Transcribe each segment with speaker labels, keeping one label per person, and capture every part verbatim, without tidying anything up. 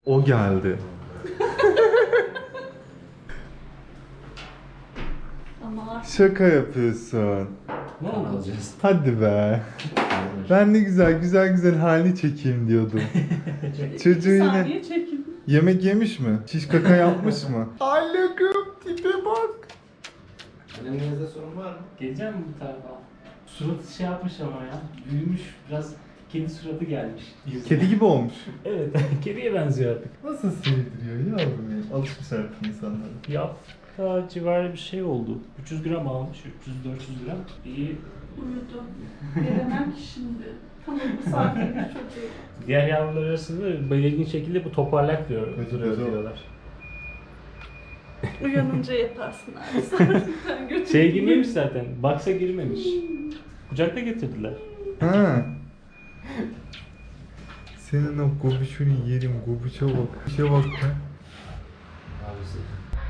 Speaker 1: O geldi.
Speaker 2: Ama
Speaker 1: Şaka yapıyorsun.
Speaker 3: Ne alacağız?
Speaker 1: Hadi be. Ben ne güzel güzel güzel halini çekeyim diyordum. Çocuğu
Speaker 2: bir
Speaker 1: yine
Speaker 2: saniye çekin.
Speaker 1: yemek yemiş mi? Şiş kaka yapmış mı? Allah'ım tipe bak.
Speaker 3: Anneminizde sorun var mı?
Speaker 4: Geleceğim mi bu tarafa? Suratı şey yapmış ama ya. Büyümüş biraz. Kedi suratı gelmiş. yüzüne.
Speaker 1: Kedi gibi olmuş.
Speaker 4: Evet. Kediye benziyor artık.
Speaker 1: Nasıl sevdiriyor yavrum ya? Alışmış artık insanlara.
Speaker 4: Yapta civarı bir şey oldu. üç yüz gram almış. üç yüz dört yüz gram. İyi.
Speaker 2: Uyudu. Veremem ki şimdi. Tamam bu saatte bir çocuğu.
Speaker 4: Diğer yavrular arasında belirgin şekilde bu toparlak diyor.
Speaker 1: Gözü
Speaker 4: duruyor
Speaker 1: gözü
Speaker 4: diyorlar.
Speaker 2: Uyanınca yaparsın abi. Sonra ben götüreyim.
Speaker 4: Şey girmemiş zaten. Box'a girmemiş. Kucakta getirdiler.
Speaker 1: Ha. Senin o gobişunu yerim, gobişe bak. Bir şey bak be.
Speaker 3: Abisi.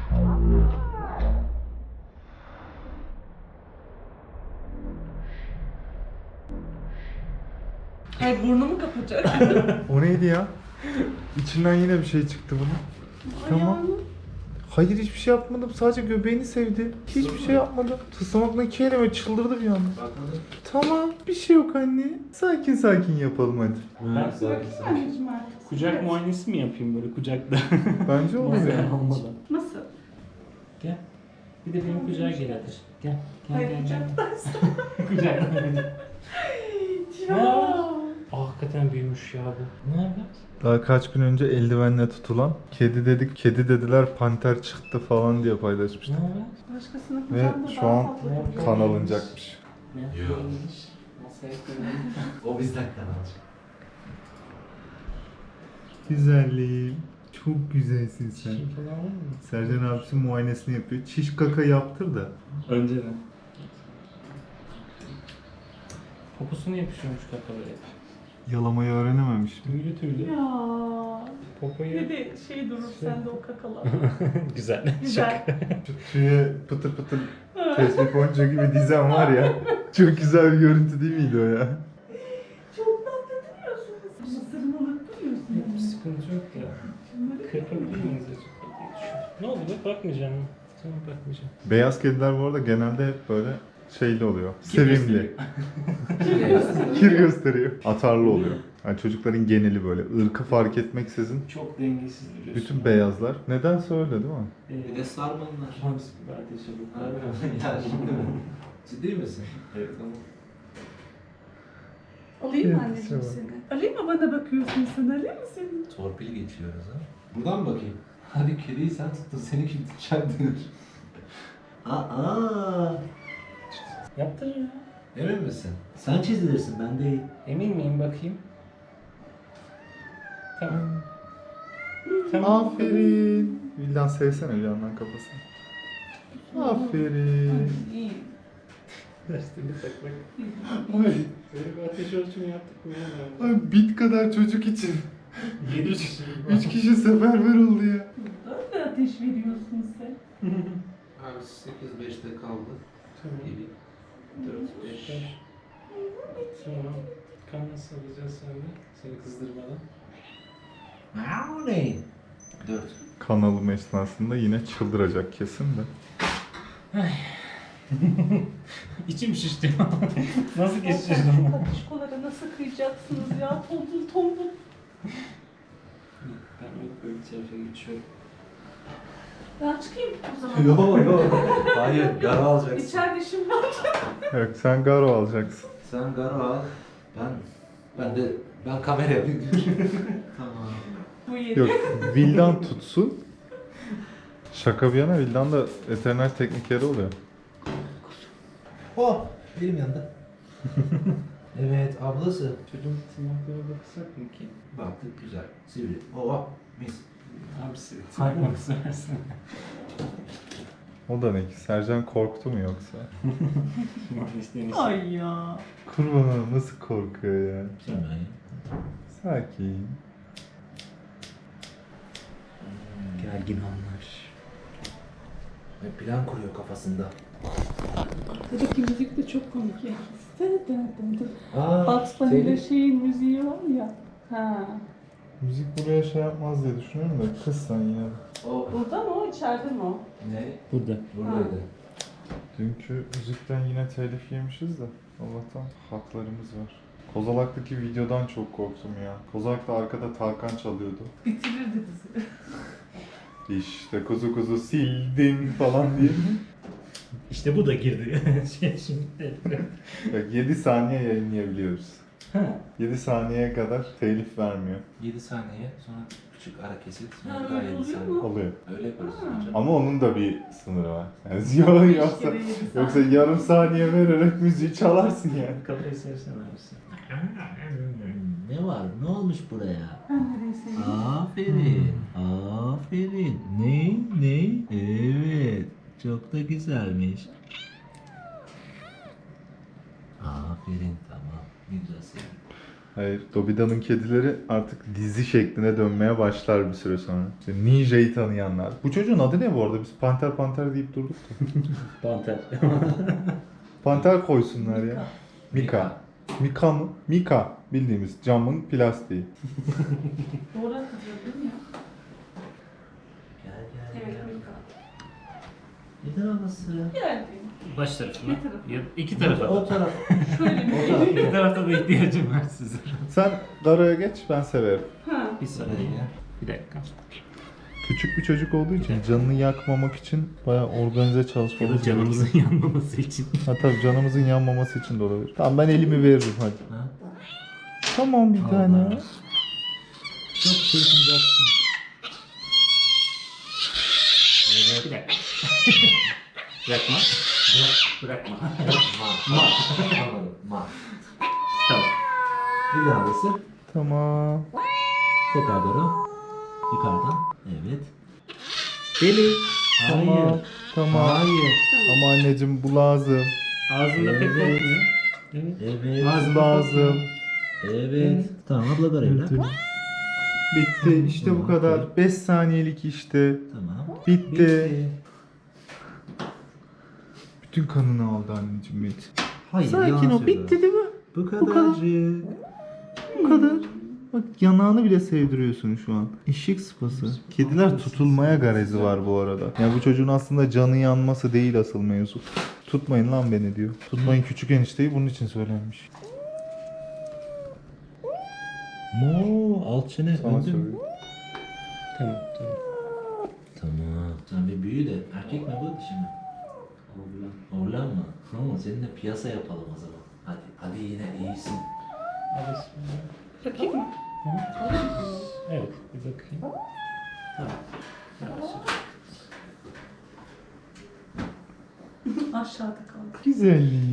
Speaker 2: Hayır burnumu kapatacak.
Speaker 1: O neydi ya? İçinden yine bir şey çıktı bunun. Tamam.
Speaker 2: Ayağını.
Speaker 1: Hayır hiçbir şey yapmadım. Sadece göbeğini sevdi. Hiçbir şey yapmadım. Tıslamakla iki elime çıldırdı bir anda.
Speaker 3: Bakalım.
Speaker 1: Tamam. Bir şey yok anne. Sakin sakin yapalım hadi.
Speaker 4: Ben
Speaker 2: Bakayım anneciğim artık.
Speaker 4: Kucak
Speaker 2: Evet.
Speaker 4: muayenesi mi yapayım böyle kucakta?
Speaker 1: Bence olur
Speaker 4: Masaya
Speaker 1: ya.
Speaker 4: almadan.
Speaker 2: Nasıl?
Speaker 4: Gel. Bir de benim kucağa gel hadi. Gel. Gel
Speaker 2: Hayır
Speaker 4: gel gel.
Speaker 2: kucaktaysın.
Speaker 4: Kucağına.
Speaker 2: Ya.
Speaker 4: Aa, hakikaten büyümüş ya bu. Ne haber?
Speaker 1: Daha kaç gün önce eldivenle tutulan kedi dedik, kedi dediler panter çıktı falan diye
Speaker 4: Ne
Speaker 1: paylaşmıştım.
Speaker 4: haber?
Speaker 2: Başkasının
Speaker 1: Ve
Speaker 2: kucağında
Speaker 1: şu
Speaker 2: daha
Speaker 1: an
Speaker 2: tatlı
Speaker 4: Ne
Speaker 2: duruyor.
Speaker 1: kan alınacakmış.
Speaker 4: Ne
Speaker 3: Yok.
Speaker 4: yapıyormuş? Masaya koyalım.
Speaker 3: O bizden kanalcı.
Speaker 1: Güzelliğim. Çok güzelsin sen.
Speaker 4: Şey falan var mı?
Speaker 1: Sercan abisi muayenesini yapıyor. Çiş kaka yaptır da.
Speaker 4: Önceden. Poposuna yapışıyormuş kakaları hep.
Speaker 1: Yalamayı öğrenememiş.
Speaker 4: Tüylü tüylü.
Speaker 2: Ya.
Speaker 4: Popoyu...
Speaker 2: Bir de şey durur sende o kakalar.
Speaker 4: Güzel.
Speaker 2: Güzel.
Speaker 1: Şu tüye pıtır pıtır tespih boncuğu gibi dizen var ya. Çok güzel bir görüntü değil miydi o ya?
Speaker 2: Çok tatlı duruyorsunuz. Mısırını unutturuyorsun.
Speaker 4: Bir sıkıntı yok ya. Kırpabilir miyiz acaba diye düşünüyorum. Ne oldu be? Bakmayacağım. Tamam bakmayacağım.
Speaker 1: Beyaz kediler bu arada genelde hep böyle şeyli oluyor. Sevimli.
Speaker 3: Şey,
Speaker 1: Kir gösteriyor. Atarlı oluyor. Yani çocukların geneli böyle. Irkı fark etmeksizin
Speaker 4: Çok dengesiz duruyorsun.
Speaker 1: bütün beyazlar. Nedense öyle değil mi?
Speaker 4: Ee,
Speaker 3: Bir de sarmanlar.
Speaker 4: Hamsi gibi ateşe bakar.
Speaker 3: Ya şimdi mi? Ciddi misin?
Speaker 4: Evet.
Speaker 3: Tamam.
Speaker 2: Alayım mı
Speaker 1: Evet,
Speaker 2: anneciğim
Speaker 1: tamam.
Speaker 2: seni? Alayım mı bana bakıyorsun sen? Alayım mı seni?
Speaker 3: Torpil geçiyoruz ha. Buradan mı bakayım? Hadi kediyi sen tuttun, seni kim tutacak denir. Aa,
Speaker 4: Yaptır ya.
Speaker 3: emin misin? Sen çizilirsin, ben değil.
Speaker 4: Emin miyim bakayım? Tamam. Tamam.
Speaker 1: Aferin. Vildan sevsene bir yandan kafasını. Aferin.
Speaker 2: İyi.
Speaker 4: Derste bir tak bak.
Speaker 1: Ay,
Speaker 4: Böyle bir ateş ölçümü yaptık mı ya?
Speaker 1: ay bit kadar çocuk için.
Speaker 4: Yedi kişi.
Speaker 1: Üç kişi seferber oldu ya.
Speaker 2: Burada da ateş veriyorsun sen.
Speaker 3: Abi sekiz beşte kaldı.
Speaker 4: Tamam.
Speaker 3: gibi. dört beş.
Speaker 4: Tamam. Kan nasıl alacağız sen de? Seni kızdırmadan.
Speaker 3: Aa, ne? dört.
Speaker 1: Kan alımı esnasında yine çıldıracak kesin de.
Speaker 4: İçim şişti. Nasıl geçeceğiz
Speaker 2: Şu
Speaker 4: onu?
Speaker 2: katışkolara nasıl kıyacaksınız ya? Tombul tombul.
Speaker 4: Ben böyle bir tarafa geçiyorum.
Speaker 2: Ben çıkayım o zaman.
Speaker 3: Yok yok. Hayır, garo alacaksın.
Speaker 2: İçeride işim var.
Speaker 1: Evet sen garo alacaksın.
Speaker 3: Sen garo al. Ben ben de ben kameraya bir Tamam.
Speaker 2: Bu yedi.
Speaker 1: Yok Vildan tutsun. Şaka bir yana Vildan da veteriner teknikeri oluyor.
Speaker 3: Oh, benim yanında. Evet, ablası.
Speaker 4: Çocuğun tırnaklara baksak mı ki?
Speaker 3: Baktık güzel. Sivri. Oh, mis.
Speaker 4: Abisi saymak istersin.
Speaker 1: O da ne ki? Sercan korktu mu yoksa?
Speaker 2: Ay ya.
Speaker 1: Kurbanım nasıl korkuyor ya?
Speaker 3: Sen ben ya.
Speaker 1: Sakin.
Speaker 3: Gergin anlar. Ve plan kuruyor kafasında.
Speaker 2: Buradaki müzik de çok komik ya.
Speaker 3: Aa,
Speaker 2: Bugs Bunny'de şeyin müziği var ya. Ha.
Speaker 1: Müzik buraya şey yapmaz diye düşünüyorum da kız sen yine.
Speaker 3: O
Speaker 2: Burada mı o, içeride mi o?
Speaker 3: ne?
Speaker 4: Burada.
Speaker 3: Buradaydı.
Speaker 1: Dünkü müzikten yine telif yemişiz de Allah'tan haklarımız var. Kozalak'taki videodan çok korktum ya. Kozalak'ta arkada Tarkan çalıyordu.
Speaker 2: Bitirirdi bizi.
Speaker 1: İşte kuzu kuzu sildim falan diye.
Speaker 4: İşte bu da girdi. Şey, Şimdi.
Speaker 1: Bak yedi saniye yayınlayabiliyoruz.
Speaker 4: Ha.
Speaker 1: yedi saniyeye kadar telif vermiyor.
Speaker 3: yedi saniye sonra küçük ara kesit
Speaker 2: Ha,
Speaker 3: sonra bir daha
Speaker 2: öyle
Speaker 3: yedi
Speaker 2: oluyor
Speaker 3: saniye.
Speaker 2: mu?
Speaker 1: Oluyor.
Speaker 3: Öyle yaparız
Speaker 2: Ha.
Speaker 3: hocam.
Speaker 1: Ama onun da bir sınırı var. Yani yok, yoksa,
Speaker 2: Beş kere yedi
Speaker 1: yoksa
Speaker 2: saniye.
Speaker 1: yarım saniye vererek müziği çalarsın yani.
Speaker 4: Kafayı sevsen abisi.
Speaker 3: Ne var? Ne olmuş buraya?
Speaker 2: Ben nereyi seveyim?
Speaker 3: Aferin. Aferin. Ne? Ne? Evet. Çok da güzelmiş. Aferin tamam. Ne güzel sevdim.
Speaker 1: Hayır, Dobida'nın kedileri artık dizi şekline dönmeye başlar bir süre sonra. İşte Ninja'yı tanıyanlar. Bu çocuğun adı ne bu arada? Biz Panter Panter deyip durduk da.
Speaker 4: Panter.
Speaker 1: Panter koysunlar ya. Mika. Mika mı? Mika. Bildiğimiz camın plastiği.
Speaker 2: Doğru hatırladın ya.
Speaker 3: Gel gel
Speaker 2: Evet,
Speaker 3: gel.
Speaker 2: Mika.
Speaker 3: Ne taraması?
Speaker 2: Geldi.
Speaker 4: Baş tarafına.
Speaker 2: Bir tarafı.
Speaker 4: Ya, iki tarafa
Speaker 3: O
Speaker 4: da.
Speaker 3: taraf.
Speaker 2: Şöyle bir
Speaker 3: O
Speaker 2: şey.
Speaker 3: taraf.
Speaker 4: İki tarafta da ihtiyacım var sizin.
Speaker 1: Sen Dara'ya geç, ben severim.
Speaker 2: Ha.
Speaker 4: Bir
Speaker 3: Sıraya
Speaker 4: saniye.
Speaker 3: gel.
Speaker 4: Bir dakika.
Speaker 1: Küçük bir çocuk olduğu için canını yakmamak için bayağı organize
Speaker 4: Ya
Speaker 1: çalışmamız
Speaker 4: da canımızın yanmaması için.
Speaker 1: Ha tabii canımızın yanmaması için de olabilir. Tamam ben elimi veririm hadi.
Speaker 3: Ha?
Speaker 1: Tamam bir tane.
Speaker 3: Allah. Çok çırpınacaksın.
Speaker 4: Bir dakika. Bırakma. Bırak, bırakma.
Speaker 3: Ma. Ma. Anladım. Ma.
Speaker 4: Tamam.
Speaker 3: Bir daha ısır.
Speaker 1: Tamam.
Speaker 3: Tekrar doğru. Yukarıdan. Evet. Deli.
Speaker 1: Tamam.
Speaker 3: Hayır.
Speaker 1: Tamam.
Speaker 3: Hayır.
Speaker 1: Ama anneciğim bu lazım.
Speaker 4: Ağzında pek
Speaker 3: Evet.
Speaker 4: olmuyor. Evet.
Speaker 3: Evet.
Speaker 1: Bu lazım.
Speaker 3: Evet. Tamam abla da öyle.
Speaker 1: Bitti. İşte bu kadar. beş saniyelik işte.
Speaker 3: Tamam.
Speaker 1: Bitti. Bütün kanını aldı anneciğim benim.
Speaker 3: Hayır.
Speaker 1: Sakin
Speaker 3: yalan
Speaker 1: ol.
Speaker 3: söylüyor.
Speaker 1: Bitti değil mi?
Speaker 3: Bu
Speaker 1: Bu kadar.
Speaker 3: kadarcık.
Speaker 1: Bu kadar. Bak yanağını bile sevdiriyorsun şu an. Eşek sıpası. Kediler tutulmaya garezi var bu arada. Yani bu çocuğun aslında canı yanması değil asıl mevzu. Tutmayın lan beni diyor. Tutmayın küçük enişteyi bunun için söylenmiş.
Speaker 3: Mo, alt çene
Speaker 1: Sana
Speaker 3: öldü mü?
Speaker 1: söylüyor.
Speaker 4: Tamam, tamam.
Speaker 3: Tamam. Sen bir büyü de erkek mi bu dişi mi? Oğlan. Oğlan mı? Tamam seninle piyasa yapalım o zaman. Hadi. Hadi yine iyisin.
Speaker 2: Bakayım mı?
Speaker 4: Evet, bir bakayım. Tamam. Yavaş.
Speaker 2: Aşağıda kaldı.
Speaker 1: Güzelliği.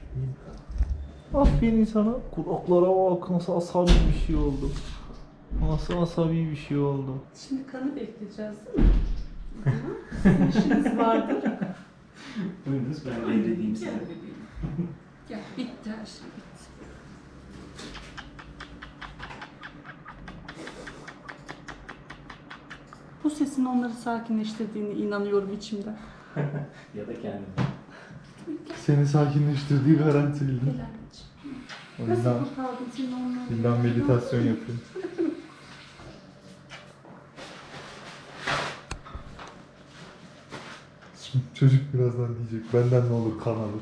Speaker 1: Aferin sana. Kulaklara bak nasıl asabi bir şey oldu. Nasıl asabi bir şey oldu.
Speaker 2: Şimdi kanı bekleyeceğiz değil mi? Hı hı. Sizin işiniz vardır.
Speaker 4: Buyurunuz ben devredeyim size.
Speaker 2: Gel bebeğim. Gel, bitti her şey bitti. Bu sesin onları sakinleştirdiğine inanıyorum içimden.
Speaker 4: Ya da kendim.
Speaker 1: Seni sakinleştirdiği garantili.
Speaker 2: Gel anneciğim.
Speaker 1: O
Speaker 2: Nasıl
Speaker 1: yüzden,
Speaker 2: kurtardın seni onları?
Speaker 1: yüzden meditasyon yapıyorum. Şimdi çocuk birazdan diyecek benden ne olur kan alır.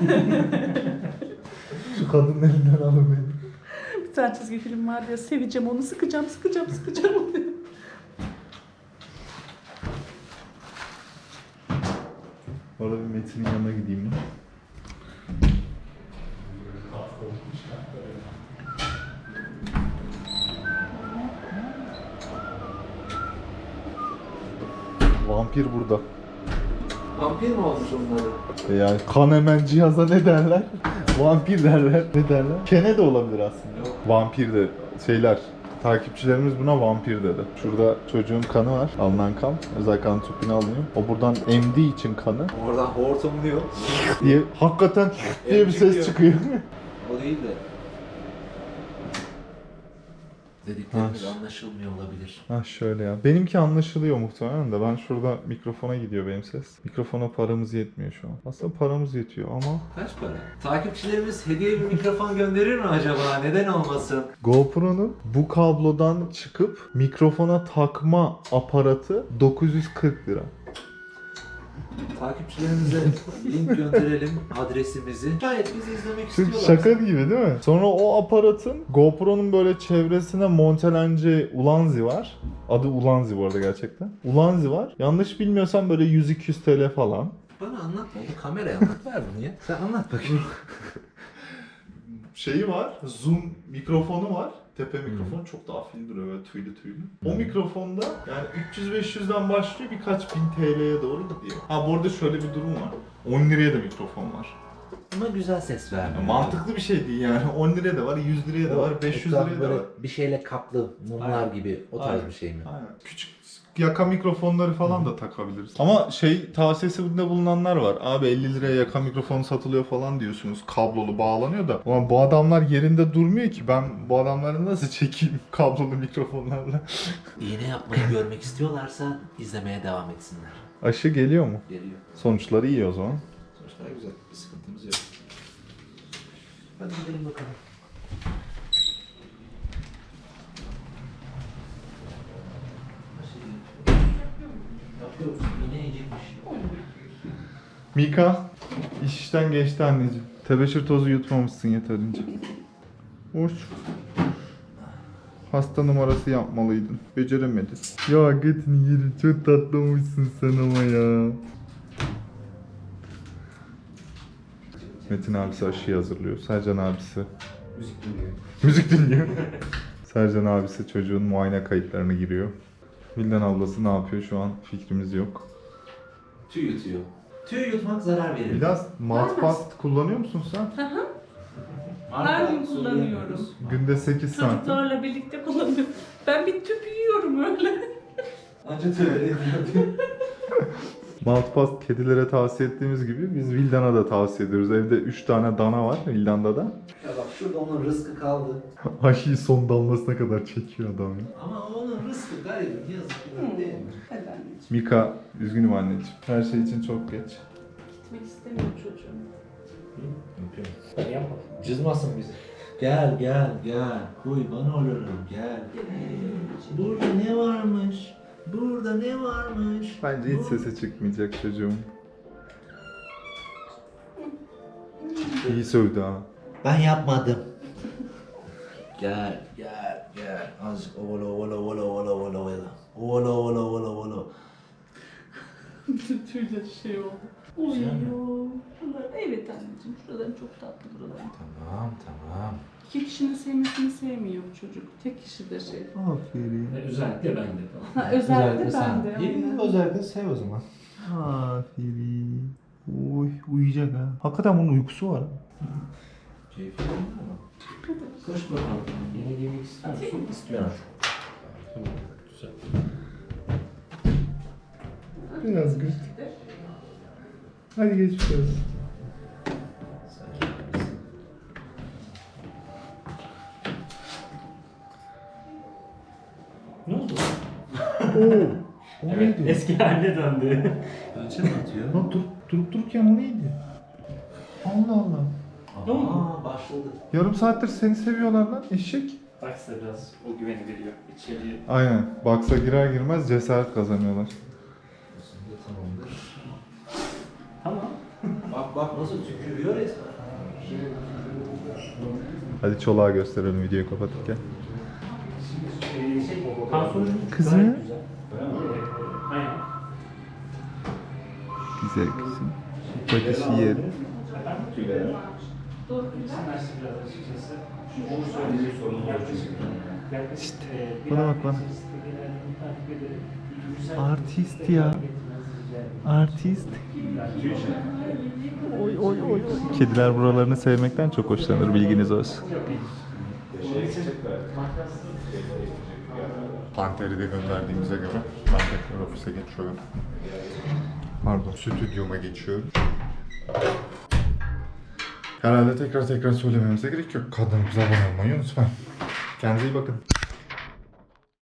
Speaker 1: Şu kadının elinden alın beni.
Speaker 2: Bir tane çizgi film var ya, seveceğim onu, sıkacağım, sıkacağım, sıkacağım onu.
Speaker 1: Orada bir Metin'in yanına gideyim ben. Vampir burada.
Speaker 3: Vampir mi olmuş onları?
Speaker 1: E Yani kan hemen cihaza ne derler? Vampir derler. Ne derler? Kene de olabilir aslında.
Speaker 3: Yok.
Speaker 1: Vampir de şeyler. Takipçilerimiz buna vampir dedi. Şurada çocuğun kanı var. Alınan kan. Özel kan tüpünü alınıyor. O buradan emdiği için kanı
Speaker 3: Oradan hortumluyor.
Speaker 1: diye hakikaten diye bir ses çıkıyor.
Speaker 3: O değil de. Dediklerimiz
Speaker 1: Ha.
Speaker 3: anlaşılmıyor olabilir.
Speaker 1: Ha şöyle ya. Benimki anlaşılıyor muhtemelen de. Ben şurada mikrofona gidiyor benim ses. Mikrofona paramız yetmiyor şu an. Aslında paramız yetiyor ama
Speaker 3: Kaç para? Takipçilerimiz hediye bir mikrofon gönderir mi acaba? Neden olmasın?
Speaker 1: GoPro'nun bu kablodan çıkıp mikrofona takma aparatı dokuz yüz kırk lira.
Speaker 3: Takipçilerimize link gönderelim adresimizi. Şayet bizi izlemek
Speaker 1: Çünkü
Speaker 3: istiyorlar.
Speaker 1: şaka gibi değil mi? Sonra o aparatın GoPro'nun böyle çevresine montelenci Ulanzi var. Adı Ulanzi bu arada gerçekten. Ulanzi var. Yanlış bilmiyorsam böyle yüz iki yüz T L falan.
Speaker 3: Bana anlatma. Kameraya anlat ver bunu ya. Sen anlat bakayım.
Speaker 1: Şeyi var, zoom mikrofonu var. Tepe mikrofon çok daha afil duruyor böyle tüylü tüylü. O mikrofonda yani üç yüz beş yüzden başlıyor birkaç bin T L'ye doğru gidiyor. Ha bu arada şöyle bir durum var. on liraya da mikrofon var.
Speaker 3: Ama güzel ses
Speaker 1: Yani
Speaker 3: vermiyor.
Speaker 1: mantıklı bir şey değil yani. on liraya da var, yüz liraya da var, beş yüz
Speaker 3: Etrafı
Speaker 1: liraya da
Speaker 3: böyle
Speaker 1: var.
Speaker 3: bir şeyle kaplı mumlar
Speaker 1: Aynen.
Speaker 3: gibi o tarz
Speaker 1: Aynen.
Speaker 3: bir şey mi?
Speaker 1: Aynen. Küçük yaka mikrofonları falan da takabiliriz. Ama şey tavsiyesinde bulunanlar var. Abi elli liraya yaka mikrofon satılıyor falan diyorsunuz. Kablolu bağlanıyor da. Ama bu adamlar yerinde durmuyor ki. Ben bu adamları nasıl çekeyim kablolu mikrofonlarla?
Speaker 3: İğne yapmayı görmek istiyorlarsa izlemeye devam etsinler.
Speaker 1: Aşı geliyor mu?
Speaker 3: Geliyor.
Speaker 1: Sonuçları iyi o zaman.
Speaker 3: Sonuçlar güzel. Bir sıkıntımız yok. Hadi gidelim bakalım. Yapıyoruz. İğne yiyecekmiş.
Speaker 1: Mika, iş işten geçti anneciğim. Tebeşir tozu yutmamışsın yeterince. Hoş. Hasta numarası yapmalıydın. Beceremedin. Ya götünü yerim. Çok tatlı olmuşsun sen ama ya. Metin abisi aşıyı hazırlıyor. Sercan abisi
Speaker 3: Müzik dinliyor.
Speaker 1: müzik dinliyor. Sercan abisi çocuğun muayene kayıtlarını giriyor. Vildan ablası ne yapıyor şu an fikrimiz yok.
Speaker 3: Tüy yutuyor. Tüy yutmak zarar verir.
Speaker 1: Biraz matpast kullanıyor musun sen?
Speaker 2: Her gün kullanıyorum.
Speaker 1: Günde sekiz santim.
Speaker 2: Çocuklarla birlikte kullanıyorum. Ben bir tüp yiyorum öyle.
Speaker 3: Anca tüy veriyor.
Speaker 1: Maltpast kedilere tavsiye ettiğimiz gibi biz Vildan'a da tavsiye ediyoruz. Evde üç tane dana var Vildan'da da.
Speaker 3: Ya bak şurada onun rızkı kaldı.
Speaker 1: Aşıyı son damlasına kadar çekiyor adam ya.
Speaker 3: Ama onun rızkı garibim yazık ki değil mi?
Speaker 2: Hadi anneciğim.
Speaker 1: Mika, üzgünüm anneciğim. Her şey için çok geç.
Speaker 2: Gitmek istemiyor çocuğum.
Speaker 3: Yapıyorum.
Speaker 4: Ben yapmadım.
Speaker 3: Cızmasın bizi. Gel gel gel. Kurban olurum gel. Burada ne varmış? Burada ne varmış?
Speaker 1: Bence hiç
Speaker 3: Bu-
Speaker 1: sesi çıkmayacak çocuğum. İyi sövdü ha.
Speaker 3: Ben yapmadım. Gel gel gel. Azıcık ovala ovala ovala ovala ovala ovala. Ovala ovala ovala ovala.
Speaker 2: Tüyle şey oldu. Uyuyor. Şuralar- Evet anneciğim. Şuradan çok tatlı buralar.
Speaker 3: Tamam tamam.
Speaker 2: İki kişinin sevmesini sevmiyor bu çocuk. Tek kişi de şey.
Speaker 1: Aferin.
Speaker 4: Ve özellikle ben de.
Speaker 2: Ha, özellikle ben de. aynen.
Speaker 3: özellikle sev o zaman.
Speaker 1: Aferin. Oy, uyuyacak ha. Hakikaten bunun uykusu var ha.
Speaker 3: Keyifli değil mi? Koş bakalım.
Speaker 4: Yine yemek ister misin?
Speaker 3: İstiyorum.
Speaker 4: Tamam. Güzel.
Speaker 1: Biraz güç. Hadi geçmiş olsun.
Speaker 4: Ne oldu?
Speaker 1: Oo. O
Speaker 4: Evet,
Speaker 1: neydi?
Speaker 4: eski haline döndü.
Speaker 3: Ölçü mü atıyor?
Speaker 1: Lan dur, durup dururken o neydi? Allah Allah.
Speaker 4: Ne oldu?
Speaker 3: Aa başladı.
Speaker 1: Yarım saattir seni seviyorlar lan eşek.
Speaker 4: Baksa biraz o güveni veriyor. İçeriye.
Speaker 1: Aynen. Baksa girer girmez cesaret kazanıyorlar.
Speaker 3: Aslında tamamdır.
Speaker 4: Tamam.
Speaker 3: Bak bak nasıl tükürüyor resmen.
Speaker 1: Hadi çoluğa gösterelim videoyu kapatırken.
Speaker 4: Ee, şey, kan sonucu
Speaker 1: Kızım.
Speaker 4: gayet güzel. Ee, Aynen.
Speaker 1: Güzel kızım. Bakışı yerim.
Speaker 4: Efendim? Tüyleri. Sinirlerse biraz açıkçası. Onu söylediği sorun var çünkü. Yaklaşık, e, bir
Speaker 1: bana
Speaker 4: ay
Speaker 1: bak bana.
Speaker 4: içerisinde genellikle takip ederim. Güzel
Speaker 1: Artist
Speaker 4: bir
Speaker 1: ya.
Speaker 4: tekrar getirmenizi rica ederim.
Speaker 1: Artist.
Speaker 4: Yani tüy şey.
Speaker 1: Oy oy oy. Kediler buralarını sevmekten çok hoşlanır bilginiz olsun.
Speaker 4: Yok, değil. Onun için makaslı.
Speaker 1: Panteri de gönderdiğimize göre ben tekrar ofise geçiyorum. Pardon, stüdyoma geçiyorum. Herhalde tekrar tekrar söylememize gerek yok. Kanalımıza abone olmayı unutmayın. Kendinize iyi bakın.